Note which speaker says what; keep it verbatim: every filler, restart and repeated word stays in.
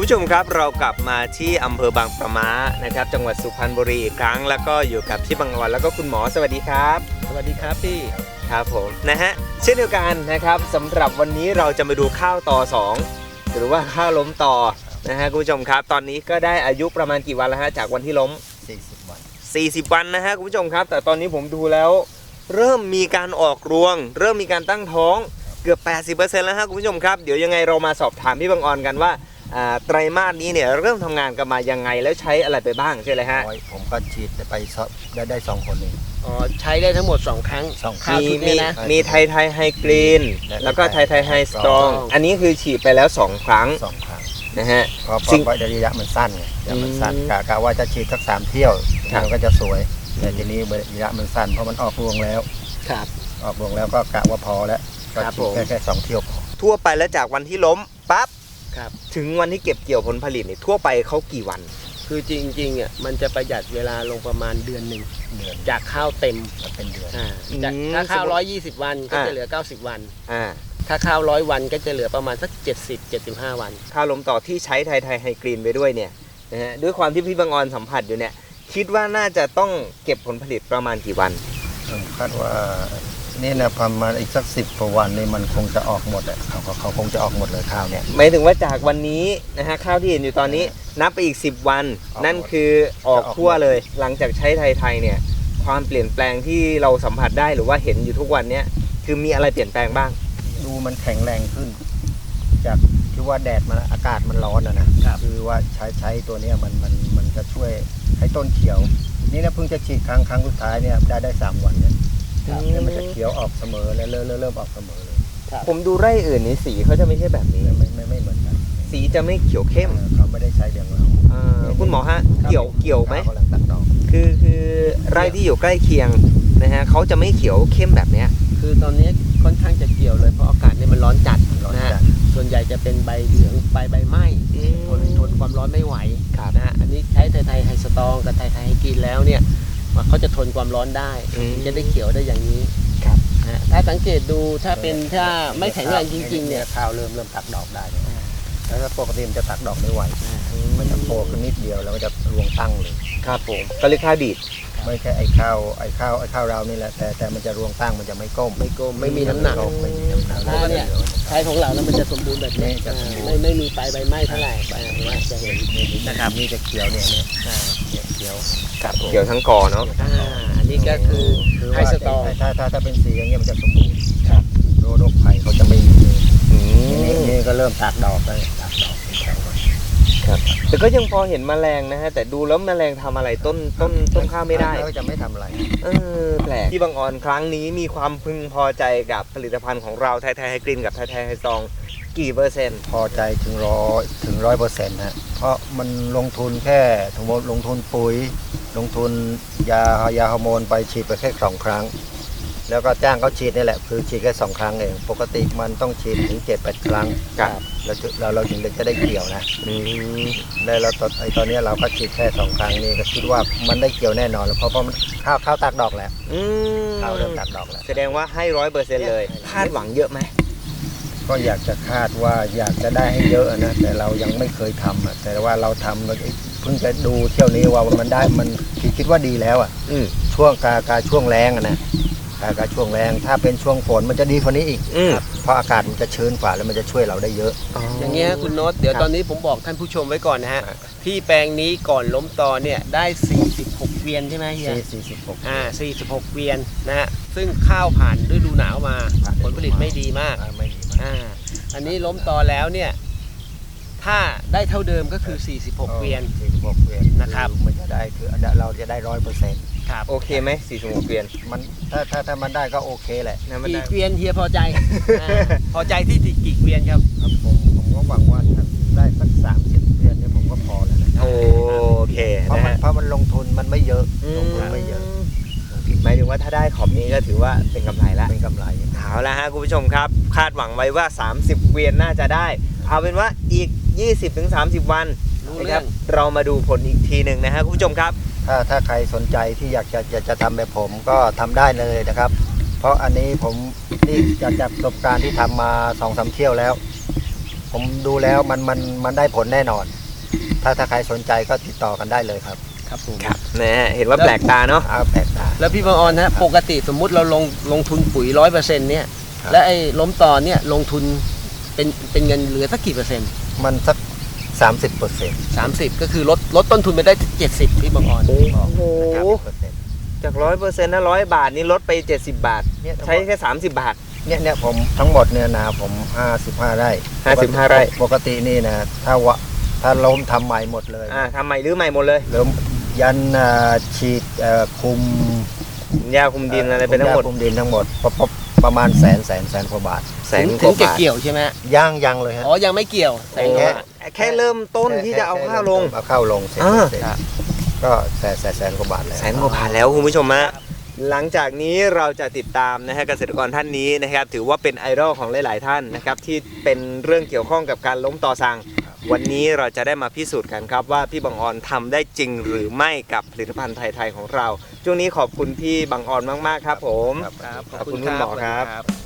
Speaker 1: ผู้ชมครับเรากลับมาที่อำเภอบางปะม้านะครับจังหวัดสุพรรณบุรีอีกครั้งแล้วก็อยู่กับพี่บังออนแล้วก็คุณหมอสวัสดีครับ
Speaker 2: สวัสดีครับพี่
Speaker 1: ครับผมนะฮะเช่นเดียวกันนะครับสำหรับวันนี้เราจะมาดูข้าวต่อสองหรือว่าข้าวล้มต่อนะฮะคุณผู้ชมครับตอนนี้ก็ได้อายุประมาณกี่วันแล้วฮะจากวันที่ล้ม
Speaker 2: สี่สิบวัน
Speaker 1: สี่สิบวันนะฮะคุณผู้ชมครับแต่ตอนนี้ผมดูแล้วเริ่มมีการออกรวงเริ่มมีการตั้งท้องเกือบ แปดสิบเปอร์เซ็นต์ แล้วฮะคุณผู้ชมครับเดี๋ยวยังไงเรามาสอบถามพี่บังออนกันว่าไตรมาสนี้เนี่ยเริ่มทำงานกันมายังไงแล้วใช้อะไรไปบ้างใช่ไหมฮะ
Speaker 2: ผมก็ฉีดไปได้ได้สองคนเอง
Speaker 3: อ๋อใช้ได้ทั้งหมดสองครั้ง
Speaker 2: สองครั้ง
Speaker 1: มีมีมีไทยไทยไฮกรีนแล้วก็ไทยไทยไฮสตรองอันนี้คือฉีดไปแล้วสองครั้ง
Speaker 2: สองครั้ง
Speaker 1: นะฮะ
Speaker 2: เพราะเพราะระยะมันสั้นไงระยะมันสั้นกะกะว่าจะฉีดสักสามเที่ยวมันก็จะสวยแต่ทีนี้ระยะมันสั้นเพราะมันออกรวงแล้ว
Speaker 3: ครับ
Speaker 2: ออกรวงแล้วก็กะว่าพอแล้วก็ฉีดแค่แค่สองเที่ยวพอ
Speaker 1: ทั่วไปแล้วจากวันที่ล้มปั๊บถึงวันที่เก็บเกี่ยวผลผลิตเนี่ยทั่วไปเขากี่วัน
Speaker 3: คือจริงๆอ่ะมันจะประหยัดเวลาลงประมาณเดือนหนึ่ง
Speaker 2: เดือน
Speaker 3: จากข้าวเต็ม
Speaker 2: เป็นเดือน
Speaker 3: จากถ้าข้าวร้อยยี่สิบวันก็จะเหลือเก้าสิบวันถ้าข้าวร้อยวันก็จะเหลือประมาณสักเจ็ดสิบ เจ็ดสิบห้าวัน
Speaker 1: ข้าวล้มต่อที่ใช้ไทยไทยไฮกรีนไปด้วยเนี่ยนะฮะด้วยความที่พี่บังออนสัมผัสอยู่เนี่ยคิดว่าน่าจะต้องเก็บผลผลิตประมาณกี่วัน
Speaker 2: คาดว่านี่นะประมาณอีกสักสิบกว่าวันนี่มันคงจะออกหมดอ่ะเขาเขาคงจะออกหมดเลยข้าวเนี่ย
Speaker 1: หมายถึงว่าจากวันนี้นะฮะข้าวที่เห็นอยู่ตอนนี้นับไปอีกสิบวันนั่นคือออกทั่วเลยหลังจากใช้ไทยไทยเนี่ยความเปลี่ยนแปลงที่เราสัมผัสได้หรือว่าเห็นอยู่ทุกวันเนี่ยคือมีอะไรเปลี่ยนแปลงบ้าง
Speaker 2: ดูมันแข็งแรงขึ้นจากที่ว่าแดดมันอากาศมันร้อนนะนะคือว่าใช้ใช้ตัวนี้มันมันมันจะช่วยให้ต้นเขียวนี่นะเพิ่งจะฉีดครั้งครั้งสุดท้ายเนี่ยได้ได้สามวันเนี่ยเนี่ยมันจะเขียวออกเสมอแล้วเริ่มเริ่มออกเสมอเลย
Speaker 1: ผมดูไร่อื่นนี่สีเขาจะไม่ใช่แบบนี้
Speaker 2: ไม่ไม่ไม่เหมือนกัน
Speaker 1: สีจะไม่เขียวเข้ม
Speaker 2: เขาไม่ได้ใช้เดียวเรา
Speaker 1: คุณหมอฮะเกี่ยวเกี่ยวไหม
Speaker 2: กำลังตัดดอก
Speaker 1: คือคือไร่ที่อยู่ใกล้เคียงนะฮะเขาจะไม่เขียวเข้มแบบเนี้ย
Speaker 3: คือตอนนี้ค่อนข้างจะเกี่ยวเลยเพราะอากาศเนี่ยมันร้อนจัดนะฮะส่วนใหญ่จะเป็นใบเหลืองใบใบไหม้ทนทนความร้อนไม่ไหวนะฮะอันนี้ใช้ไทยไทยไฮสตรองกับไทยไทยไฮกรีนแล้วเนี่ยเขาจะทนความร้อนได้จะได้เขียวได้อย่างนี้ถ้าสังเกตดูถ้าเป็นถ้าไม่แข็งแรงจริงๆเนี่ย
Speaker 2: ข้าวเริ่มเริ่มตัดดอกได้แล้วถ้าปกติมันจะตัดดอกไม่ไหวมันจะโผล่ขึ้นนิดเดียวแล้วก็จะรวงตั้งเลย
Speaker 1: ครับผมก็เรียกข้าวดีด
Speaker 2: ไม่ใช่ไอ้ข้าวไอ้ข้าวไอ้ข้าวเรานี่แหละแต่แต่มันจะรวงตั้งมันจะไม่ก้ม
Speaker 3: ไม่ก้มไม่มีน้ำหนัก
Speaker 2: ไม่มีน้ำหนัก
Speaker 3: ถ้าเนี่ยใช้ของเราแล้วมันจะสมบูรณ์แบบนี้ไม่ไม่มีปลายใบไม้เท่าไหร่ใบนี้จะเห็น
Speaker 2: นะครับนี่จะเขียวเนี่ยเนี่ยเขียว
Speaker 1: เขียวทั้งกอเนาะ
Speaker 3: อันนี้ก็คือไฮสตรอง
Speaker 2: ถ้าถ้าถ้าเป็นสีอย่างเงี้ยมันจะสมบูรณ์โรคภัยเขาจะไม่มีนี่ก็เริ่มตัดดอกเลยตัดดอก
Speaker 1: ครับแต่ก็ยังพอเห็นแมลงนะฮะแต่ดูแล้วแมลงทำอะไรต้นต้นต้นข้าวไม่ได้
Speaker 2: ก็จะไม่ทำอะไร
Speaker 1: เออแปลกที่บางออนครั้งนี้มีความพึงพอใจกับผลิตภัณฑ์ของเราไทยไทยไฮกรีนกับไทยไทยไฮซองกี่เปอร์เซ็นต์
Speaker 2: พอใจถึงร้อยถึงร้อยเปอร์เซ็นต์ฮะเพราะมันลงทุนแค่ทั้งหมดลงทุนปุ๋ยลงทุนยายาฮอร์โมนไปฉีดไปแค่สองครั้งแล้วก็จ้างเขาฉีดนี่แหละคือฉีดแค่สองครั้งเองปกติมันต้องฉีดถึงเจ็ดแปดครั้งแล้วเราเราถึงจะได้เกี่ยวนะแล้วเราตอนไอตอนนี้เราก็ฉีดแค่สองครั้งนี่ก็คิดว่ามันได้เกี่ยวแน่นอนแล้วเพราะเพราะข้าวข้าวตักดอกแล้วข้าวเริ่มตักดอกแล้ว
Speaker 1: แสดงว่าให้ร้อยเปอร์เซ็นต์เลยคาดหวังเยอะไหม
Speaker 2: ก็อยากจะคาดว่าอยากจะได้ให้เยอะนะแต่เรายังไม่เคยทำอ่ะแต่ว่าเราทำเราเพิ่งจะดูเที่ยวนี้ว่ามันได้มันคิดว่าดีแล้วอ่ะช่วงกากาช่วงแรงอ่ะนะกาช่วงแรงถ้าเป็นช่วงฝนมันจะดีกว่านี้อีกเพราะอากาศมันจะชื้นกว่าแล้วมันจะช่วยเราได้เยอะ
Speaker 3: อย่างเงี้ยคุณโน้ตเดี๋ยวตอนนี้ผมบอกท่านผู้ชมไว้ก่อนนะฮะที่แปลงนี้ก่อนล้มตอเนี่ยได้สี่สิบหกเกวียนใช่ไหมเฮีย
Speaker 2: สี่สิบหก
Speaker 3: อ่าสี่สิบหกเกวียนนะฮะซึ่งข้าวผ่านฤดูหนาวมาผลผลิตไม่ดีมาก
Speaker 2: ไม่ดีมาก
Speaker 3: อ่าอันนี้ล้มตอแล้วเนี่ยถ้าได้เท่าเดิมก็คือสี่สิบหกเกวียน
Speaker 2: สี่สิบหกเกวียน
Speaker 3: นะครับ
Speaker 2: มันจะได้คือเราจะได้ร้อยเปอร์เซ็นต์
Speaker 1: โอเคไหมสี่สิบหกเกวียน
Speaker 2: มันถ้าถ้าถ้ามันได้ก็โอเคแหละ
Speaker 3: กี่เกวียนเฮียพอใจพอใจที่กี่เกวียนครับ
Speaker 2: ผมผมก็หวังว่าถ้าได้สักสามสิบเกวียนเนี่ยผมก็พอแล้วนะ
Speaker 1: โอเค
Speaker 2: เพราะมันเพราะมันลงทุนมันไม่เยอะลงทุนไม่เยอะ
Speaker 1: หมายถึงว่าถ้าได้ขอบนี้ก็ถือว่าเป็นกำไรแล้ว
Speaker 2: เป็นกำไร
Speaker 1: เอาละฮะคุณผู้ชมครับคาดหวังไว้ว่าสามสิบเกวียนน่าจะได้เอาเป็นว่าอีก ยี่สิบถึงสามสิบ วันนะครับเรามาดูผลอีกทีหนึ่งนะฮะคุณผู้ชมครับ
Speaker 2: ถ้าถ้าใครสนใจที่อยากจะจะจะทำแบบผมก็ทำได้เลยนะครับเพราะอันนี้ผมนี่จากจากประสบการณ์ที่ทำมา สองสาม เที่ยวแล้ว ผผมดูแล้วมันมันมันได้ผลแน่นอน ถ้าถ้าใครสนใจก็ติดต่อกันได้เลยครับ
Speaker 3: ครับผม
Speaker 1: ครับนะฮะเห็นว่าแปลกตาเนาะ
Speaker 2: เอาแปลกตา
Speaker 3: แล้วพี่บางออนฮะปกติสมมุติเราลงลงทุนปุ๋ยร้อยเปอร์เซ็นต์เนี่ย
Speaker 2: ครับ
Speaker 3: และไอ้ล้มตอนเนี่ยลงทุนเป็นเป็นเงินเหลือสักกี่เปอร์เซ็นต์
Speaker 2: มันสักสามสิบเปอร์เซ็นต์
Speaker 3: สามสิบก็คือลดลดต้นทุนไปได้เจ็ดสิบพี่บางออน
Speaker 1: โอ้โห
Speaker 2: เปอร์เซ็นต์
Speaker 1: จากร้อยเปอร์เซ็นต์นะร้อยบาทนี่ลดไปเจ็ดสิบบาท
Speaker 2: เนี่ย
Speaker 1: ใช้แค่สามสิบบาท
Speaker 2: เนี่ยเนี่ยผมทั้งหมดเนี่ยนะผมห้าสิบห้าไร่
Speaker 1: ห้าสิบห้าไร่
Speaker 2: ปกตินี่นะถ้าวะถ้าล้มทำใหม่หมดเลย
Speaker 1: อ่าทำใหม่หรือใหม่หมดเลย
Speaker 2: ล้มยันอ่าฉีดเอ่อคุม
Speaker 1: หญ้าคุมดินอะไรไปทั้งหมด
Speaker 2: คุมดินทั้งหมดประประประมาณแสนแสนแสนกว่าบาท
Speaker 1: แสน
Speaker 3: ถึง
Speaker 1: ก
Speaker 3: ถึ
Speaker 1: ว่าง
Speaker 3: จะ
Speaker 1: บาท
Speaker 3: เกี่ยวใช่ไหม
Speaker 2: ย่างยังเลยฮะ
Speaker 3: อ๋อยังไม่เกี่ยวแสนกว่าบาท
Speaker 1: แค่เริ่มต้นที่จะเอาข้าวลง
Speaker 2: เอาข้าวลงเสร็จ
Speaker 1: อ่า
Speaker 2: เสร็จก็แสนแสนแสนกว่าบาทแล้ว
Speaker 1: แสนกว่าบาทแล้วคุณผู้ชมฮะหลังจากนี้เราจะติดตามนะฮะเกษตรกรท่านนี้นะครับถือว่าเป็นไอดอลของหลาย ๆ ท่านนะครับที่เป็นเรื่องเกี่ยวข้องกับการล้มต่อสั่งวันนี้เราจะได้มาพิสูจน์กันครับว่าพี่บังออนทำได้จริงหรือไม่กับผลิตภัณฑ์ไทย ๆ ของเราช่วงนี้ขอบคุณพี่บังออนมาก ๆ ครับผม
Speaker 2: ครับ
Speaker 3: ครับ
Speaker 1: ขอบคุณคุณหมอครับ
Speaker 3: ครับ